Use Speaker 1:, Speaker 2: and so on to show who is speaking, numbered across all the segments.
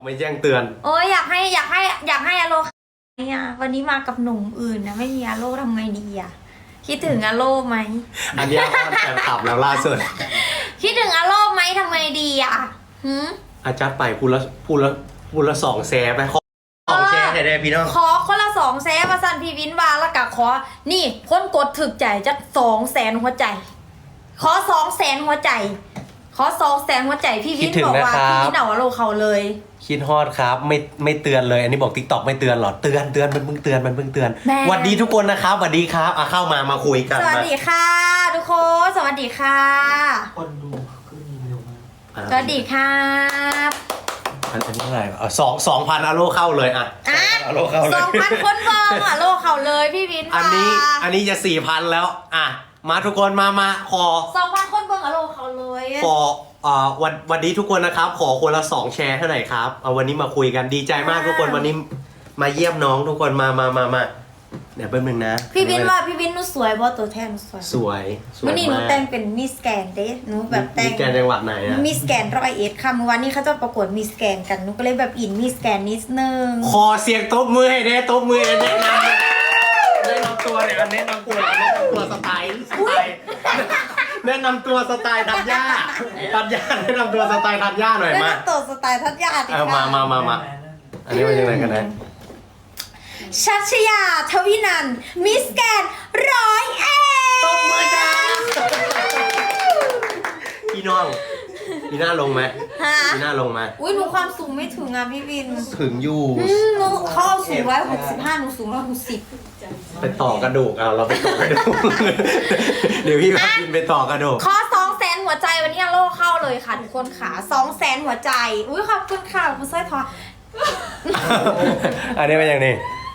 Speaker 1: ไม่แจ้งเตือน
Speaker 2: โอ้ยอยากให้อาโลเนี่ยวันนี้มากับหนุ่มอื่นนะไม่มีอาโลทำไงดีอ่ะคิดถึงอาโลไหม
Speaker 1: อันนี้แฟนคลับแล้วล่าสุด
Speaker 2: คิดถึงอาโลไหมทำไงดีอ่ะ
Speaker 1: อาจารย์ไปพูดละ2 แสไปขอ2 แชร์ให้ได้พี่น้อง
Speaker 2: ขอคนละ2 แสนมาสั่นพี่วินวาแล้วก็ขอนี่คนกดถึกใจจะ200,000หัวใจขอ200,000หัวใจขอ200,000หัวใจพี่วินบอกว่าพี่วินเอาอาโลเขาเลย
Speaker 1: คิดฮอดครับไม่เตือนเลยอันนี้บอก TikTok ไม่เตือนหรอเตือนมันเพิ่งเตือนสวัสดีทุกคนนะครับสวัสดีครับเข้ามาคุยกัน
Speaker 2: สวัสดีค่ะทุกคนสวัสดีค่ะ
Speaker 3: คนดูขึ้นเร็วมาก
Speaker 2: สวัสดีครับ
Speaker 1: อันนี้เท่าไหร่2,000อาโลเข้าเลยอ่ะอาโลเข้าเลย
Speaker 2: 2,000 คนมองอาโลเขาเลยพี่วิน
Speaker 1: อันนี้จะ 4,000 แล้วอ่ะมาทุกคนมาขอ
Speaker 2: 2,000 คนเบิ่งอาโลเขาเลย
Speaker 1: ขอวันนี้ทุกคนนะครับขอคนละ2 แชร์เท่าไหร่ครับเอาวันนี้มาคุยกันดีใจมากทุกคนวันนี้มาเยี่ยมน้องทุกคนมาเดี๋ยวแป๊บนึงนะ
Speaker 2: พี่วินว่าพี่วินหนูสวยบ่ตัวแทนสวยวันนี้หนูแต่งเป็นมิสแกนเด้หนูแบบแต่ง
Speaker 1: มิสแกนจังหวัดไหนอะ
Speaker 2: มิสแกน101ค่ะเมื่อวานนี้เขาจะประกวดมิสแกนกันหนูก็เลยแบบอินมิสแกนนิดนึง
Speaker 1: ขอเสียงตบมือให้เด้ตบมือให้เด้นะแนะนำตัวเนี่ยแนะนำตัวสไตล์แนะนำตัวสไตล์ทัญญาแนะนำตัวสไตล์ทัญญาหน่อยมา
Speaker 2: แนะนำตัวสไตล์ทัญญาดิค่ะ
Speaker 1: มาอันนี้เป็นยังไงกันนะ
Speaker 2: ชัชยาทวินันมิสแกน101
Speaker 1: ตบมือจ้าพี่น้องพี่หน้าลงไหมพี่หน้าลงไหม
Speaker 2: อุ้ยหนูความสูงไม่ถึงอ่ะพี่วิน
Speaker 1: ถึงอยู่
Speaker 2: หนูเขาเอาสูง165หนูสูง160
Speaker 1: ไปต่อกระดูกเอาเราไปต่อกระดูกเดี๋ยวพี่พากินไปต่อกระดูก
Speaker 2: ขอ200,000หัวใจวันนี้โลเข้าเลยค่ะทุกคนค่ะ200,000หัวใจอุ้ยขอบคุณค่ะคุณสร้อยทอง
Speaker 1: อันนี้เป็นอย่างนี้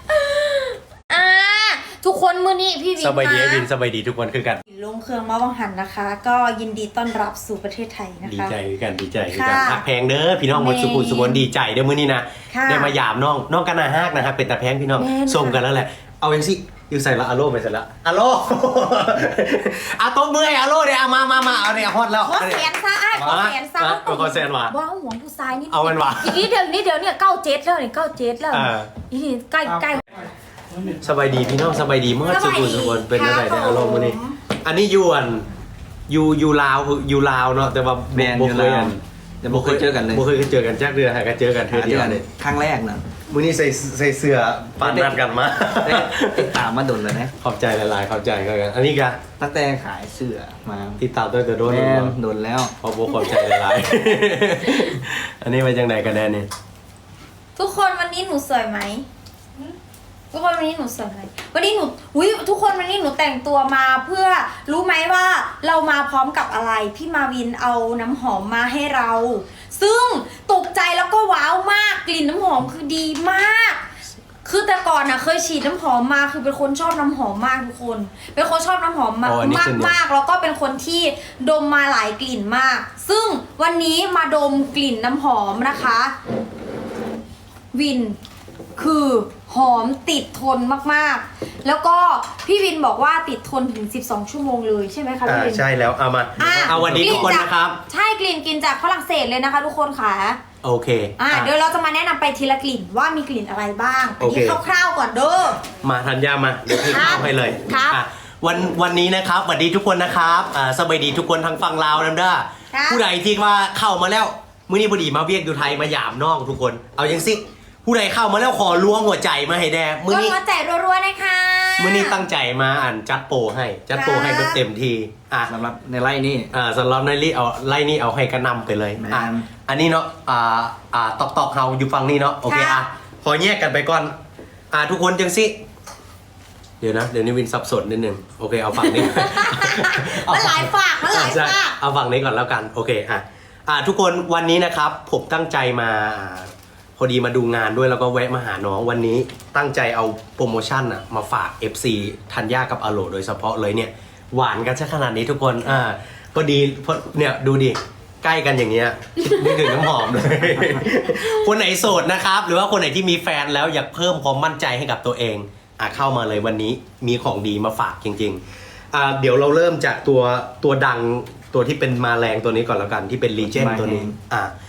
Speaker 2: ทุกคนมื้อนี้พี่วิน
Speaker 1: สบายดีวินสบายดีทุกคนคือกัน
Speaker 2: ลงเครื่องมาวังหันนะคะ ก็ยินดีต้อนรับสู่ประเทศไทยนะคะ
Speaker 1: ดีใจกันหักแพงเด้อพี่น้องหมดสุขุมสุขนดีใจเด้อมื้อนี้นะได้มาหยามน้องกันนาฮักนะครับเป็นตาแพงพี่น้องส่งกันแล้วแหละเอาเองสิอยู่ใส่ละอาโลไปใส่ละอาโลเอาตบมือให้อาโลเดี๋ยวมาเอาเนี่ยฮอตแล้ว
Speaker 2: ขอแสนซะขอแสนซะ
Speaker 1: ขอแสนว่ะ
Speaker 2: ว้าวหัวผู้ชายนี่
Speaker 1: เอามันว่ะ
Speaker 2: อีนี้เดี๋ยวเนี่ย97แล้วนี่97แล้วอีนี่ใกล้
Speaker 1: สบายดีพี่น้องสบายดีเมื่อสุขุมสุขนเป็นอะไรในอารมณ์มื้อนี้อันนี้ยวนอยู่ลาวเนาะแต่ว่า
Speaker 3: แมนอยู่ลาวแต่บ่เคยเจอกันเลย
Speaker 1: บ่เคยเจอกันจักเดือนหากันเจอกันเทื่อเดียวเลย
Speaker 3: ครั้งแรกนะ
Speaker 1: มื้อนี้ใส่เสื้อปานนัดกันมา
Speaker 3: ติดตามมาโดนแล้วนะ
Speaker 1: ขอบใจหลายๆขอบใจกันอันนี้ก็
Speaker 3: ตั้งแต่ขายเสื้อมา
Speaker 1: ติดตามตั้งแต่โด
Speaker 3: นแล้ว
Speaker 1: ขอบใจหลายๆอันนี้มาจังไหนกันแน่นี่
Speaker 2: ทุกคนวันนี้หนูสวยไหมทุกคนวันนี้หนูสวยไหมวันนี้หนูทุกคนวันนี้หนูแต่งตัวมาเพื่อรู้ไหมว่าเรามาพร้อมกับอะไรพี่มาวินเอาน้ำหอมมาให้เราซึ่งตกใจแล้วก็ว้าวมากกลิ่นน้ำหอมคือดีมากคือแต่ก่อนน่ะเคยฉีดน้ำหอมมาคือเป็นคนชอบน้ำหอมมากทุกคนเป็นคนชอบน้ำหอมมากแล้วก็เป็นคนที่ดมมาหลายกลิ่นมากซึ่งวันนี้มาดมกลิ่นน้ำหอมนะคะวินคือหอมติดทนมากๆแล้วก็พี่วินบอกว่าติดทนถึง12 ชั่วโมงเลยใช่ไหมคะพี่วิน
Speaker 1: ใช่แล้วเอาวันนี้ทุกคนนะครับ
Speaker 2: ใช่กลิ่นกินจากฝรั่งเศสเลยนะคะทุกคนค่ะ
Speaker 1: โอเค
Speaker 2: เดี๋ยวเราจะมาแนะนำไปทีละกลิ่นว่ามีกลิ่นอะไรบ้างอันนี้คร่าวๆก่อนเด้อ
Speaker 1: มาธัญญามาเดี๋ยวพี่เข้าให้เลยวันนี้นะครับสวัสดีทุกคนนะครับสบายดีทุกคนทางฝั่งลาวนั่นเด้อผู้ใดที่ว่าเข้ามาแล้วมื้อนี้พอดีมาเวียกอยู่ไทยมาหยามน้องทุกคนเอายังสิผู้ใดเข้ามาแล้วขอล้วงหัวใจมาให้แดมื้อนี้
Speaker 2: หัวใจรัวๆนะคะ
Speaker 1: มื้อนี้ตั้งใจมาจัดโปรให้แบบเต็มที
Speaker 3: สำหรับในไล่นี่
Speaker 1: สำหรับในไล่นี่เอาให้กระนำไปเลยอันนี้เนาะตอกเฮาอยู่ฝั่งนี้เนาะโอเคขอแยกกันไปก่อนทุกคนจังสิเดี๋ยวนี้วินสับสนนิดนึงโอเคเอาฝั่งนี้
Speaker 2: มันหลายฝาก
Speaker 1: เอาฝั่งนี้ก่อนแล้วกันโอเคทุกคนวันนี้นะครับผมตั้งใจมาพอดีมาดูงานด้วยแล้วก็แวะมาหาน้องวันนี้ตั้งใจเอาโปรโมชั่นมาฝาก FC ธัญญากับอโลโดยเฉพาะเลยเนี่ยหวานกันซะขนาดนี้ทุกคนพอดีเนี่ยดูดิใกล้กันอย่างเงี้ยนึกถึงน้ำหอมเลย คนไหนโสดนะครับหรือว่าคนไหนที่มีแฟนแล้วอยากเพิ่มความมั่นใจให้กับตัวเองเข้ามาเลยวันนี้มีของดีมาฝากจริงๆเดี๋ยวเราเริ่มจากตัวดังตัวที่เป็นมาแรงตัวนี้ก่อนแล้วกันที่เป็นลีเจนด์ตัวนี้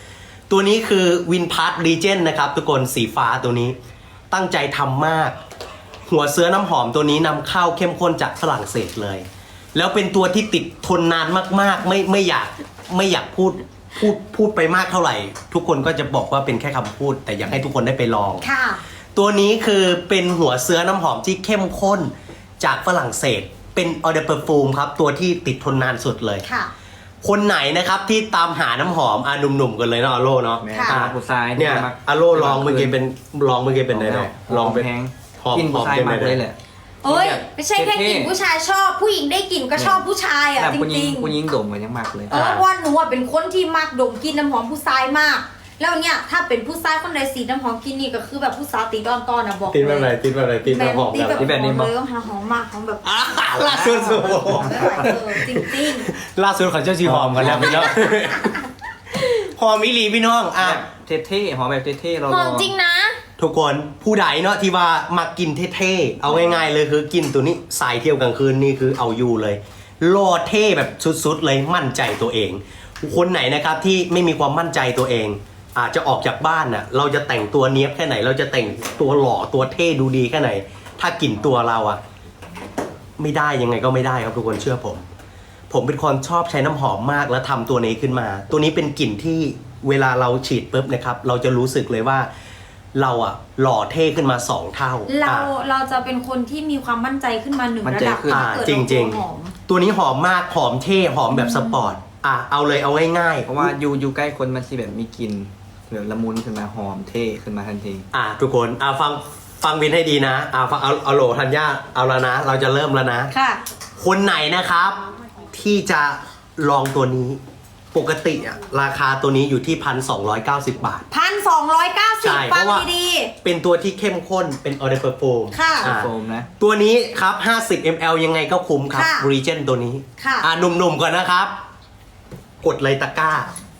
Speaker 1: ตัวนี้คือวินพาร์ รีเจนนะครับทุกคนสีฟ้าตัวนี้ตั้งใจทำมาก หัวเสื้อน้ำหอมตัวนี้นำเข้าเข้มข้นจากฝรั่งเศสเลย แล้วเป็นตัวที่ติดทนนานมากๆไม่อยากพูดไปมากเท่าไหร่ ทุกคนก็จะบอกว่าเป็นแค่คำพูด แต่อยากให้ทุกคนได้ไปลอง
Speaker 2: ค่ะ
Speaker 1: ตัวนี้คือเป็นหัวเสื้อน้ำหอมที่เข้มข้นจากฝรั่งเศสเป็นออเดอร์เปอร์ฟูมครับตัวที่ติดทนนานสุดเลย
Speaker 2: ค่ะ
Speaker 1: คนไหนนะครับที่ตามหาน้ำหอมหนุ่มๆกันเลยเนาะอาโลเนาะ
Speaker 3: แม่
Speaker 2: ค่ะ
Speaker 3: สำหรับผู้ชาย
Speaker 1: เนี่ย
Speaker 3: มัก
Speaker 1: อาโลลองเมื่อกี้เป็นไงเนาะลองเป็น
Speaker 3: แห้ง
Speaker 1: หอม
Speaker 3: กินผู้ชาย
Speaker 1: หอม
Speaker 3: มาก
Speaker 1: ได้ไหม
Speaker 3: เลยแหละ
Speaker 2: เอ้ย
Speaker 3: แบบ
Speaker 2: ไม่ใช่แค่กลิ่น
Speaker 3: เท่ๆ
Speaker 2: ผู้ชายชอบ ผู้หญิงได้กลิ่นก็ชอบผู้ชายอ่ะ
Speaker 3: แบบ
Speaker 2: จ
Speaker 3: ผู้หญิ
Speaker 2: ริ
Speaker 3: ง
Speaker 2: ง
Speaker 3: ผู้หญิงดมกันยังมากเลย
Speaker 2: ๆเพราะว่าหนูอะเป็นคนที่มักดมกลินน้ำหอมผู้ชายมาก แล้วเนี่ยถ้าเป็นผู้ชายคนใดสีน้ำหอมกลินนี่ก็คือแบบผู้สาวตีดอนตอนนะบอก
Speaker 1: ติดแบบไหน
Speaker 2: เลย
Speaker 1: ติดแบบไหนติดแบบหอม
Speaker 2: ตีแบบ
Speaker 3: แบบนี้
Speaker 2: ห
Speaker 3: บ
Speaker 2: อ
Speaker 3: อก
Speaker 2: มเลยหอมมากหอมแบบ
Speaker 1: ล่าสุด
Speaker 2: ไม่ไหวจริง
Speaker 1: ล่าสุดเขาเจ้าชีหอมกันแล้วพี่น้องหอมอีหลีพี่น้องอ่ะ
Speaker 3: แบบเท่ๆหอมแบบเท่ๆเรา
Speaker 2: ๆหอมจริงนะ
Speaker 1: ทุกคนผู้ใดเนาะที่ว่ามากินเท่ๆเอาง่ายๆเลยคือกินตัวนี้สายเที่ยวกลางคืนนี่คือเอาอยู่เลยโลดเท่แบบสุดๆเลยมั่นใจตัวเอง คนไหนนะครับที่ไม่มีความมั่นใจตัวเอง อาจจะออกจากบ้านน่ะเราจะแต่งตัวเนี้ยบแค่ไหน เราจะแต่งตัวหล่อตัวเท่ดูดีแค่ไหน ถ้ากลิ่นตัวเราอะไม่ได้ยังไงก็ไม่ได้ครับทุกคนเชื่อผม ผมเป็นคนชอบใช้น้ำหอมมากแล้วทำตัวนี้ขึ้นมา ตัวนี้เป็นกลิ่นที่เวลาเราฉีดปุ๊บนะครับ เราจะรู้สึกเลยว่าเราอะหล่อเท่ขึ้นมา2เท่า
Speaker 2: เราจะเป็นคนที่มีความมั่นใจขึ้นมาหนึ่งระดับ
Speaker 1: อ่า
Speaker 2: ถ้าเกิด
Speaker 1: จริง
Speaker 2: เราตัวหอม
Speaker 1: ๆ ตัวนี้หอมมากหอมเท่หอมแบบสปอร์ตเอาเลยเอาง่ายๆ
Speaker 3: เพราะว่าอยู่ใกล้คนมันสิแบบมีกลิ่นแบบละมุนขึ้นมาหอมเท่ขึ้นมาทันที
Speaker 1: ทุกคนฟังวินให้ดีนะฟังเอาโหลธัญญาเอาแล้วนะ เราจะเริ่มแล้วนะ
Speaker 2: ค่ะ
Speaker 1: คนไหนนะครับที่จะลองตัวนี้ปกติอะราคาตัวนี้อยู่ที่ 1,290 บาท ใช่
Speaker 2: 1,290
Speaker 1: เพ
Speaker 2: ฟัง
Speaker 1: ราะว่า
Speaker 2: ดี
Speaker 1: เป็นตัวที่เข้มข้นเป็นออเดอร์เปอร์โฟม
Speaker 2: ค่ะ
Speaker 3: โฟมนะ
Speaker 1: ตัวนี้ครับ 50 ml ยังไงก็คุ้มครับ
Speaker 2: ค่ะ
Speaker 1: รีเจนตัวนี้
Speaker 2: ค่ะ
Speaker 1: หนุ่มๆก่อนนะครับ กดเลยตะกร้า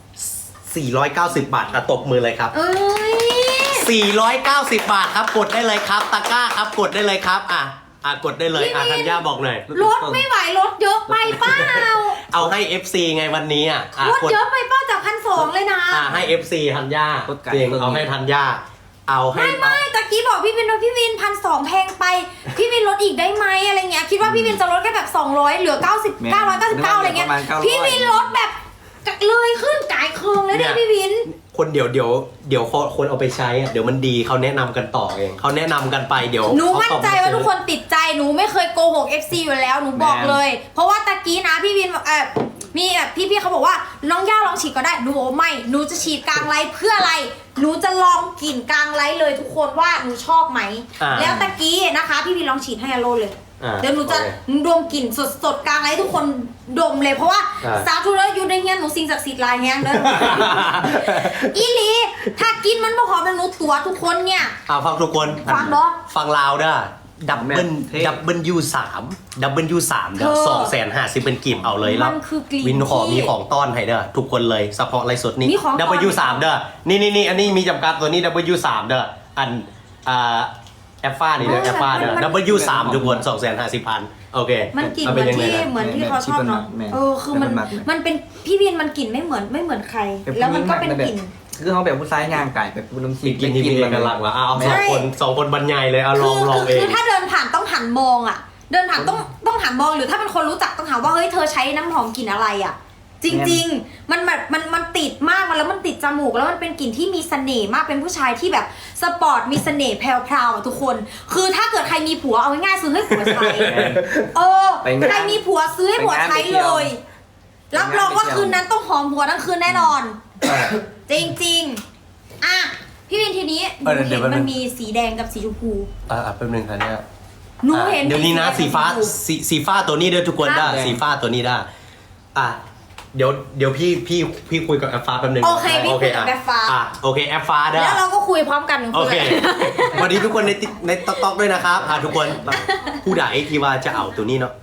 Speaker 1: 490 บาทตบมือเลยครับ
Speaker 2: เอ้ย
Speaker 1: 490 บาทครับกดได้เลยครับตะกร้าครับกดได้เลยครับกดได้เลย
Speaker 2: พี่วิน
Speaker 1: ธัญญาบอกหน่อย
Speaker 2: รถไม่ไหวรถเยอะไปเปล่า
Speaker 1: เอาให้ FC ไงวันนี้
Speaker 2: รถ
Speaker 1: กด
Speaker 2: เยอะไปเปล่าจาก1,200เลยนะ
Speaker 1: ให้ FC ธัญญา
Speaker 3: กดไก่
Speaker 1: เอง
Speaker 3: เพิ่ม
Speaker 1: เอาให้ธัญญาเอาให้
Speaker 2: ไม่ตะกี้บอกพี่วินว่าพี่วิน1,200แพงไป พี่วินลดอีกได้ไหมอะไรเงี้ยคิดว่าพี่วินจะลดแค่แบบ200เหลือ90 999อะไรเงี้ย
Speaker 3: ประมาณ900
Speaker 2: พี่วินลดแบบเลยขึ้นกายเคืองเลยเนี่ยพี่วิน
Speaker 1: คนเดี๋ยวคนเอาไปใช้เดี๋ยวมันดีเขาแนะนำกันต่อเองเขาแนะนำกันไปเดี๋ยว
Speaker 2: หนูมั่นใจว่าทุกคนติดใจหนูไม่เคยโกหก FC อยู่แล้วหนูบอกเลย เพราะว่าตะกี้นะพี่วินมีแบบพี่เขาบอกว่าน้องย่าลองฉีดก็ได้หนูบอกว่าไม่หนูจะฉีดกลางไลฟ์เพื่ออะไรหนูจะลองกลิ่นกลางไลฟ์เลยทุกคนว่าหนูชอบไหมแล้วตะกี้นะคะพี่วินลองฉีดให้อโลเลยเดี๋ยวหนูจะดมกลิ่นสดๆกลางไลฟ์ทุกคนดมเลยเพราะว่าสาวทุเรศอยู่ในเฮียนหนูสิ่งศักดิ์สิทธิ์ลายแฮงเด้อ อีหลีถ้ากินมันบ่หอมแล้วหนูตัวทุกคนเนี่ย
Speaker 1: ฟังทุกคน
Speaker 2: ฟังเนาะ
Speaker 1: ฟังลาวเด้อดับเบิล
Speaker 3: เท่
Speaker 1: ดับเบิลยู3เด้อ250เป็นกลิ่นเอาเลยแล้ว
Speaker 2: มันคือกลิ่น
Speaker 1: วินขอ
Speaker 2: ที่
Speaker 1: มีของต้อนให้เด้อทุกคนเลยเฉพาะไลฟ์สดนี้
Speaker 2: มีของต้อน
Speaker 1: ดับเบิลยู3เด้อนี่อันนี้มีจำกัดตัวนี้ดับเบิลยู3เด้ออันแอฟฟ้านี่เด้อแอฟฟ้าเด้อดับเบิลยู3ทุกคน250,000โอเค
Speaker 2: มันกลิ่น
Speaker 1: อา
Speaker 2: เหมือน
Speaker 1: ยังไง
Speaker 2: ที่
Speaker 1: นะ
Speaker 2: เหมือนที่เขาชอบเนาะ
Speaker 3: แม่น
Speaker 2: คือมัน
Speaker 3: แม่นมากเลย
Speaker 2: มันเป็นพี่วินมันกลิ่นไม่เหมือนใคร แล้วมันก็เป็นกลิ่น
Speaker 3: คือเขาแบบผู้ชายย่างไก่แบบผู้น้ำซี
Speaker 1: กินที่มีเอกลักษณ์ละเอา
Speaker 2: ใช่
Speaker 1: สองคนบรรยายเลยเอาลองเอง
Speaker 2: คือถ้าเดินผ่านต้องหันมองอ่ะ เดินผ่านต้องหันมองหรือถ้าเป็นคนรู้จักต้องถามว่าเฮ้ยเธอใช้น้ำหอมกลิ่นอะไรอ่ะ จริงๆ มันแบบมันติดมากแล้วมันติดจมูกแล้วมันเป็นกลิ่นที่มีเสน่ห์มากเป็นผู้ชายที่แบบสปอร์ตมีเสน่ห์แพรวๆอ่ะทุกคน คือถ้าเกิดใครมีผัวเอาง่ายๆซื้อให้ผัวใช้ใครมีผัวซื้อให้ผัวใช้เลย รับรองว่าคืนนั้นต้องหอมผัวทั้งคืนแน่นอน จริงๆอ่ะพี่วินทีนี้หนูเห็นมันมีสีแดงกับสีชมพู
Speaker 1: แป๊บนึงค่ะเนี่ย
Speaker 2: หนูเห็น
Speaker 1: เดี๋ยวนี้นะสีฟ้าสีฟ้าตัวนี้เด้อทุกคนได้
Speaker 3: ครับ
Speaker 1: สีฟ้าตัวนี้ได้เดี๋ยวพี่คุยกับแอปฟ้าแป๊บนึง
Speaker 2: โอเคพี่คุยกับแอปฟ้า
Speaker 1: โอเคแอปฟ้าได้
Speaker 2: แล้วเราก็คุยพร้อมกันหนึ่ง
Speaker 1: โอ
Speaker 2: คน
Speaker 1: เควันนี้ทุกคนในต๊อกด้วยนะครับทุกคนผู้ใดที่ว่าจะเอาตัวนี้เนาะ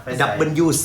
Speaker 1: W3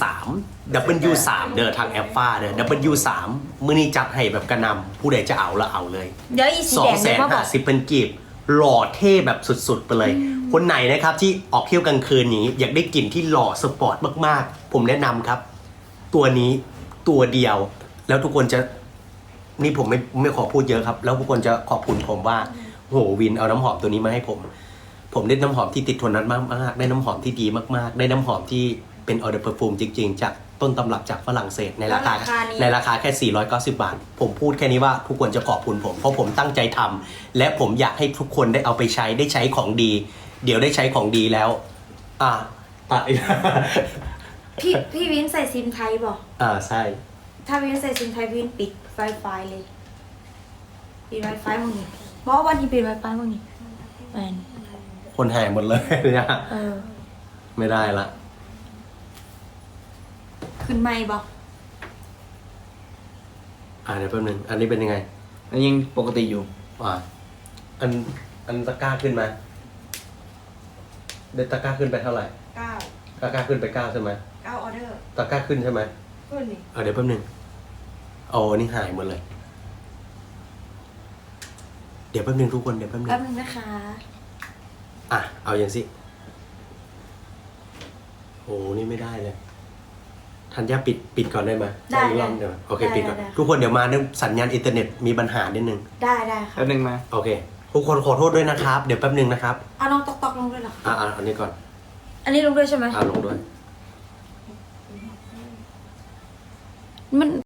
Speaker 1: W3 เด้อทางแอปฟ้าเด้อ W3 มื้อนี้จัดให้แบบกระนำผู้ใดจะเอาแล้วเอาเลย
Speaker 2: เดี๋ยวอีสีแดงเดี๋ยวมาบอก
Speaker 1: 250เป็นกีบหล่อเท่แบบสุดๆไปเลย คนไหนนะครับที่ออกเที่ยวกลางคืนอย่างนี้อยากได้กลิ่นที่หล่อสปอร์ตมากๆ ผมแนะนำครับ ตัวนี้ตัวเดียวแล้วทุกคนจะนี่ผมไม่ขอพูดเยอะครับ แล้วทุกคนจะขอบคุณผมว่าโหวินเอาน้ำหอมตัวนี้มาให้ผม ผมได้น้ำหอมที่ติดทนนานมากๆได้น้ำหอมที่ดีมากๆ ได้น้ำหอมที่เป็นออเดอร์เพอร์ฟูมจริงๆ จากต้นตำรับจากฝรั่งเศสในราคา
Speaker 2: แล้วราคานี้
Speaker 1: ในราคาแค่ 490 บาท ผมพูดแค่นี้ว่าทุกคนจะขอบคุณผม เพราะผมตั้งใจทำและผมอยากให้ทุกคนได้เอาไปใช้ได้ใช้ของดี เดี๋ยวได้ใช้ของดีแล้ว ตัดอีก
Speaker 2: พี่วินใส่ซิมไทยบอก
Speaker 1: ใช่
Speaker 2: ถ้าวินใส่ซิมไทยวินปิดไฟเลยปิดไวไฟมึงนี่เพราะวันที่ปิดไวไฟมึงนี่แมน
Speaker 1: คนหายหมดเลยเนี่ย ไม่ได้ละ
Speaker 2: ขึ้นไม่บอก
Speaker 1: เดี๋ยวแป๊บนึง อันนี้เป็นยังไง
Speaker 3: อันยังปกติอยู่
Speaker 1: อันตะกร้าขึ้นมาได้ตะกร้าขึ้นไปเท่าไหร่
Speaker 4: 9
Speaker 1: ตะกร้าขึ้นไป9ใช่ไหม
Speaker 4: ออเดอร์
Speaker 1: ตะกร้าขึ้นใช่ไหม
Speaker 4: ขึ้นนี่
Speaker 1: เดี๋ยวแป๊บนึงอันนี้หายหมดเลย เดี๋ยวแป๊บนึงทุกคน เดี๋ยวแป๊บนึง
Speaker 2: แป๊บนึงนะคะ
Speaker 1: เอาอย่างสินี่ไม่ได้เลยทันยาปิดก่อนได้ไหม
Speaker 2: ได้
Speaker 1: อีกรอบเดี๋ยวโอเค
Speaker 2: ได้
Speaker 1: ปิดก่อน
Speaker 2: ได้
Speaker 1: ทุกคนเดี๋ยวมาเรื่องสัญญาณอินเทอร์เน็ตมีปัญหานิดนึง
Speaker 2: ได้ค่ะ
Speaker 3: แป๊บนึงมา
Speaker 1: โอเค ทุกคนขอโทษด้วยนะครับ เดี๋ยวแป๊บนึงนะครับ
Speaker 2: เอาน้องตอกลงด้วยเหรอ
Speaker 1: อันนี้ก่อน
Speaker 2: อันนี้ลงด้วยใช่ไหม
Speaker 1: ลงด้วย
Speaker 2: มัน